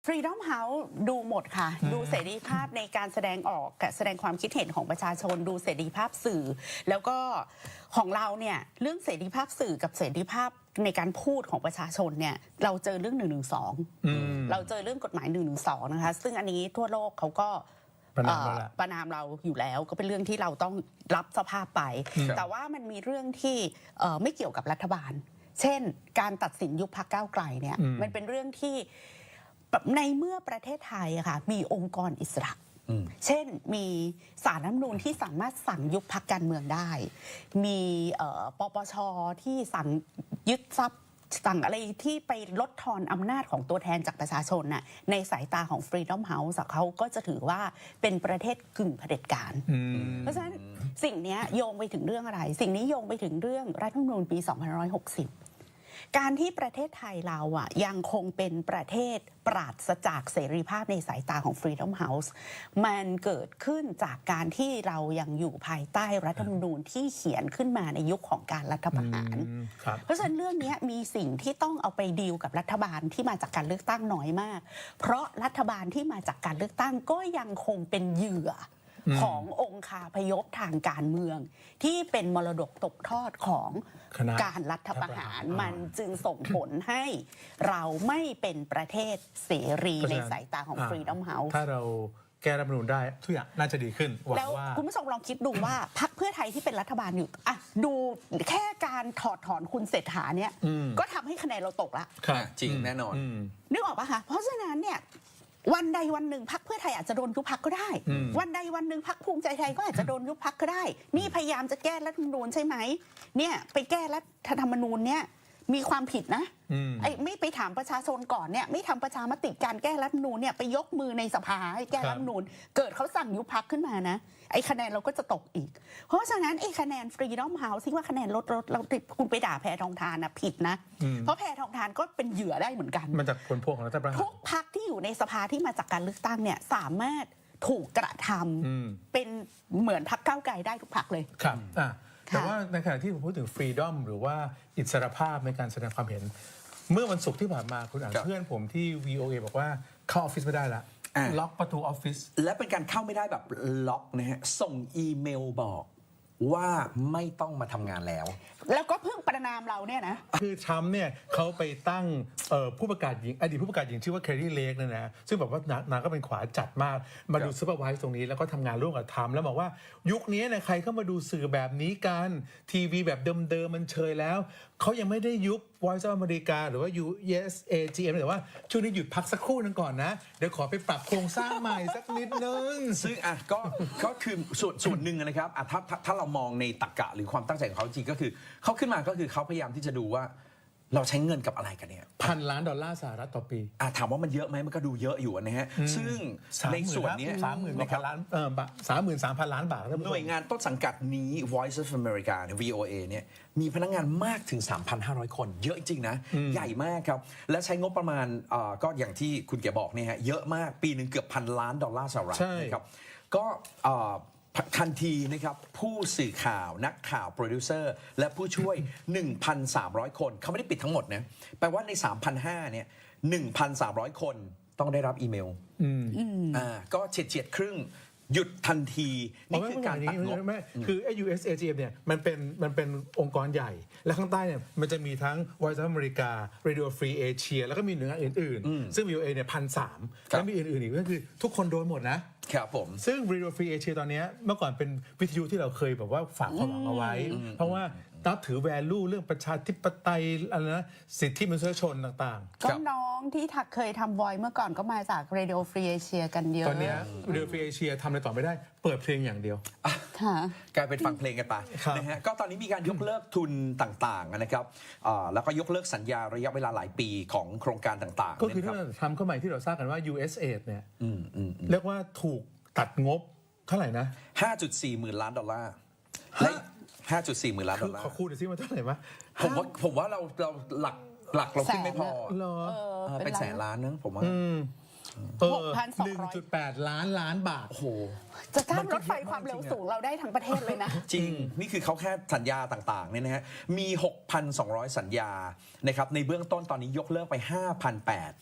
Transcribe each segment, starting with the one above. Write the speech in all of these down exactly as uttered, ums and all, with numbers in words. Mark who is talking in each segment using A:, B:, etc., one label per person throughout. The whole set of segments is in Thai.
A: Freedom House ดูหมดค่ะดูเสรีภาพในการแสดงออกแสดงความคิดเห็นของประชาชนดูเสรีภาพสื่อแล้วก็ของเราเนี่ยเรื่องเสรีภาพสื่อกับเสรีภาพในการพูดของประชาชนเนี่ยเราเจอเรื่องหนึ่งหนึ่งสองเราเจอเรื่องกฎหมายหนึ่งหนึ่งสองนะคะซึ่งอันนี้ทั่วโลกเขาก็ประนามเราประนามเราอยู่แล้วก็เป็นเรื่องที่เราต้องรับสภาพไปแต่ว่ามันมีเรื่องที่ไม่เกี่ยวกับรัฐบาลเช่นการตัดสินยุบพรรคก้าวไกลเนี่ยมันเป็นเรื่องที่ในเมื่อประเทศไทยอะค่ะมีองค์กรอิสระเช่นมีศาลรัฐธรรมนูญที่สามารถสั่งยุบพรรคการเมืองได้มีปปชที่สั่งยึดทรัพย์สั่งอะไรที่ไปลดทอนอำนาจของตัวแทนจากประชาชนน่ะในสายตาของ Freedom House เขาก็จะถือว่าเป็นประเทศกึ่งเผด็จการเพราะฉะนั้นสิ่งนี้โยงไปถึงเรื่องอะไร สิ่งนี้โยงไปถึงเรื่องรัฐธรรมนูญปีสองพันห้าร้อยหกสิบการที่ประเทศไทยเราอ่ะยังคงเป็นประเทศปราศจากเสรีภาพในสายตาของ Freedom House มันเกิดขึ้นจากการที่เรายังอยู่ภายใต้รัฐธรรมนูญที่เขียนขึ้นมาในยุคของการรัฐประหารเพราะฉะนั้นเรื่องนี้มีสิ่งที่ต้องเอาไปดีลกับรัฐบาลที่มาจากการเลือกตั้งน้อยมากเพราะรัฐบาลที่มาจากการเลือกตั้งก็ยังคงเป็นเหยื่อขององคาพยพทางการเมืองที่เป็นมรดกตกทอดของการรัฐประหารมันจึงส่งผลให้เราไม่เป็นประเทศเสรีในสายตาของ Freedom House
B: ถ้าเราแก้รัฐธรรมนูญได้ทุกอย่างน่าจะดีขึ้นหวังว่าแล้ว
A: คุณผู้ชมลองคิดดูว่าพรรคเพื่อไทยที่เป็นรัฐบาลอยู่อ่ะดูแค่การถอดถอนคุณเศรษฐาเนี่ยก็ทำให้คะแนนเราตกละ
C: จริงแน่นอน
A: นึกออกปะคะเพราะฉะนั้นเนี่ยวันใดวันหนึ่งพรรคเพื่อไทยอาจจะโดนยุบพรรคก็ได้วันใดวันหนึ่งพรรคภูมิใจไทยก็อาจจะโดนยุบพรรคก็ได้นี่พยายามจะแก้รัฐธรรมนูญใช่ไหมเนี่ยไปแก้รัฐธรรมนูญเนี่ยมีความผิดนะไอ้ไม่ไปถามประชาชนก่อนเนี่ยไม่ทำประชามติการแก้รัฐธรรมนูญเนี่ยไปยกมือในสภาให้แก้รัฐธรรมนูญเกิดเขาสั่งยุบพรรคขึ้นมานะไอ้คะแนนเราก็จะตกอีกเพราะฉะนั้นไอ้คะแนน Freedom House ที่ว่าคะแนนลดลดเราคุณไปด่าแพทองธารนะผิดนะเพราะแพทองธารก็เป็นเหยื่อได้เหมือนกัน
B: มันจากผลพวงของรัฐประหาร
A: ทุกพรรคที่อยู่ในสภาที่มาจากการเลือกตั้งเนี่ยสามารถถูกกระทำเป็นเหมือนพรรคก้าวไกลได้ทุกพรรคเลย
B: ครับแต่ว่าในขณะที่ผมพูดถึง Freedom หรือว่าอิสรภาพในการแสดงความเห็นเมื่อวันศุกร์ที่ผ่านมาคุณอ่านเพื่อนผมที่ วี โอ เอ บอกว่าเข้าออฟฟิศไม่ได้ละล็อกประตูออฟฟิศ
C: และเป็นการเข้าไม่ได้แบบล็อกนะฮะส่งอีเมลบอกว่าไม่ต้องมาทำงานแล้ว
A: แล้วก็เพิ่งประนามเราเนี่ยนะ
B: คือทรัมป์เนี่ยเขาไปตั้งผู้ประกาศหญิงอดีตผู้ประกาศหญิงชื่อว่าแคร์รีเลกเนี่ยนะซึ่งแบบว่านางก็เป็นขวาจัดมากมาดูซูเปอร์ไวส์ตรงนี้แล้วก็ทำงานร่วมกับทรัมป์แล้วบอกว่ายุคนี้เนี่ยใครเข้ามาดูสื่อแบบนี้กันทีวีแบบเดิมๆมันเชยแล้วเขายังไม่ได้ยุบ Voice of America หรือว่า ยู เอส เอ จี เอ็ม แต่ว่าช่วงนี้หยุดพักสักครู่นึงก่อนนะเดี๋ยวขอไปปรับโครงสร้างใหม่สักนิดนึง
C: ซึ่งอ่ะก็ก็คือส่วนส่วนหนึ่งนะครับอ่ะถ้าถ้าเรามองในตรรกะหรือความตั้งใจของเขาจริงก็คือเขาขึ้นมาก็คือเขาพยายามที่จะดูว่าเราใช้เงินกับอะไรกันเนี่ย
B: พันล้านดอลลาร์สหรัฐต่อปี
C: อ่ะถามว่ามันเยอะไหมมันก็ดูเยอะอยู่นะฮะซึ่งในส่วนนี้
B: สามหมื่นกว่าล้านเออสามหมื่นสามพันล้านบาท
C: หน่วยงานต้นสังกัดนี้ Voice of America เนี่ย วี โอ เอ เนี่ยมีพนักงานมากถึง สามพันห้าร้อย คนเยอะจริงๆนะใหญ่มากครับและใช้งบประมาณอ่าก็อย่างที่คุณแกบอกเนี่ยฮะเยอะมากปีหนึ่งเกือบพันล้านดอลลาร์สหรัฐนะครับก็อ่าทันทีนะครับผู้สื่อข่าวนักข่าวโปรดิวเซอร์และผู้ช่วย หนึ่งพันสามร้อย คนเขาไม่ได้ปิดทั้งหมดนะแปลว่าใน สามพันห้าร้อย เนี่ย หนึ่งพันสามร้อย คนต้องได้รับอีเมลอ่าก็เฉียดเฉียดครึ่งหยุดทันทีนี่คือการตัดงบ
B: คือไอ้ ยู เอส เอ จี เอ็ม เนี่ยมันเป็นมันเป็นองค์กรใหญ่และข้างใต้เนี่ยมันจะมีทั้ง Voice of America Radio Free Asia แล้วก็มีหน่วยงานอื่นๆซึ่ง วี โอ เอ เนี่ยพันสามแล้วมีอื่นๆอีกก็คือทุกคนโดนหมดนะครับ
C: ผม
B: ซึ่ง Radio Free Asia ตอนนี้เมื่อก่อนเป็นวิทยุที่เราเคยแบบว่าฝากความหวังเอาไว้เพราะว่านับถือ value เรื่องประชาธิปไตยอะไรนะสิทธิมนุษยชนต่าง
A: ๆก็น้องที่ถักเคยทำ Voice เมื่อก่อนก็มาจาก Radio Free Asia กันเยอะ
B: ตอนนี้ Radio Free Asia ทำอะไรต่อไม่ได้เปิดเพลงอย่างเดียว
C: กลายเป็นฟังเพลงกันไปนะฮะก็ตอนนี้มีการยกเลิกทุนต่างๆนะครับแล้วก็ยกเลิกสัญญาระยะเวลาหลายปีของโครงการต่างๆ
B: ก็คือที่เราทำเข้ามาที่เราทราบกันว่า ยู เอส เอ เนี่ยเรียกว่าถูกตัดงบเท่าไหร่นะ
C: ห้าจุดสี่ หมื่นล้านดอลลาร์และห้าจุดสี่ หมื่นล้านดอลลาร์
B: ขอคูณหน่อยสิมันเท่าไหร่มะ
C: ผมว่าผมว่าเราเราหลักหลักเราขึ้นไม่พอเป็นแสนล้านนึงผมว่า
B: หกพันสองร้อย หนึ่งจุดแปด ล้านล้านบาท
C: โอ้โห
A: จะสร้างรถไฟความเร็วสูงเราได้ทั้งประเทศเลยนะ
C: จริงนี่คือเขาแค่สัญญาต่างๆเนี่ยนะฮะมี หกพันสองร้อย สัญญานะครับในเบื้องต้นตอนนี้ยกเลิกไป ห้าพันแปดร้อย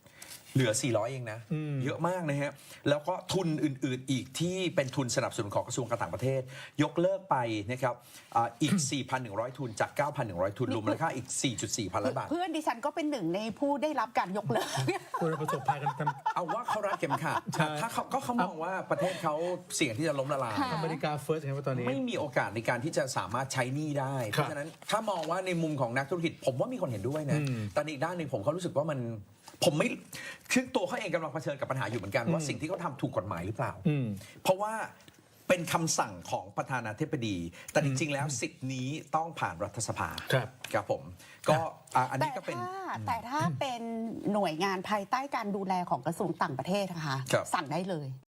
C: เหลือ สี่ร้อย เองนะ เยอะมากนะฮะ แล้วก็ทุนอื่น ๆ อีกที่เป็นทุนสนับสนุนของกระทรวงการต่างประเทศ ยกเลิกไปนะครับอ่าอีก สี่พันหนึ่งร้อย ทุนจาก เก้าพันหนึ่งร้อย ทุน รวมมูลค่าอีก สี่จุดสี่ พันล้านบาท
A: เพื่อนดิฉันก็เป็นหนึ่งในผู้ได้รับการยกเลิก
B: คุณประสบภัยกันท
C: เอาว่าเขารัดเข็มขัด
B: ใช่
C: ถ้าเขาก็เขามองว่าประเทศเขาเสี่ยงที่จะล้มละลาย
A: ค่ะ
B: ำอเมริกาเฟิร์สไงว่าตอนนี้
C: ไม่มีโอกาสในการที่จะสามารถใช้หนี้ได้ เพ
B: ครับ
C: ราะฉะนั้นถ้ามองว่าในมุมของนักธุรกิจ ผมว่ามีคนเห็นด้วยนะ
B: อืม
C: แต่อีกด้านหนึ่งผมก็รู้สึกว่ามันผมไม่คือตัวเขาเองกำลังเผชิญกับปัญหาอยู่เหมือนกันว่าสิ่งที่เขาทำถูกกฎหมายหรือเปล่า
B: อืม
C: เพราะว่าเป็นคำสั่งของประธานาธิบดี แต่จริงๆแล้วสิทธิ์นี้ต้องผ่านรัฐสภา
B: ครับ
C: ครับผม ก็อ่ะอัน
A: แต่
C: นี้ก็เป็น
A: ถ้าแต่ถ้าเป็นหน่วยงานภายใต้การดูแลของกระทรวงต่างประเทศนะคะ
C: ครับ
A: สั่งได้เลย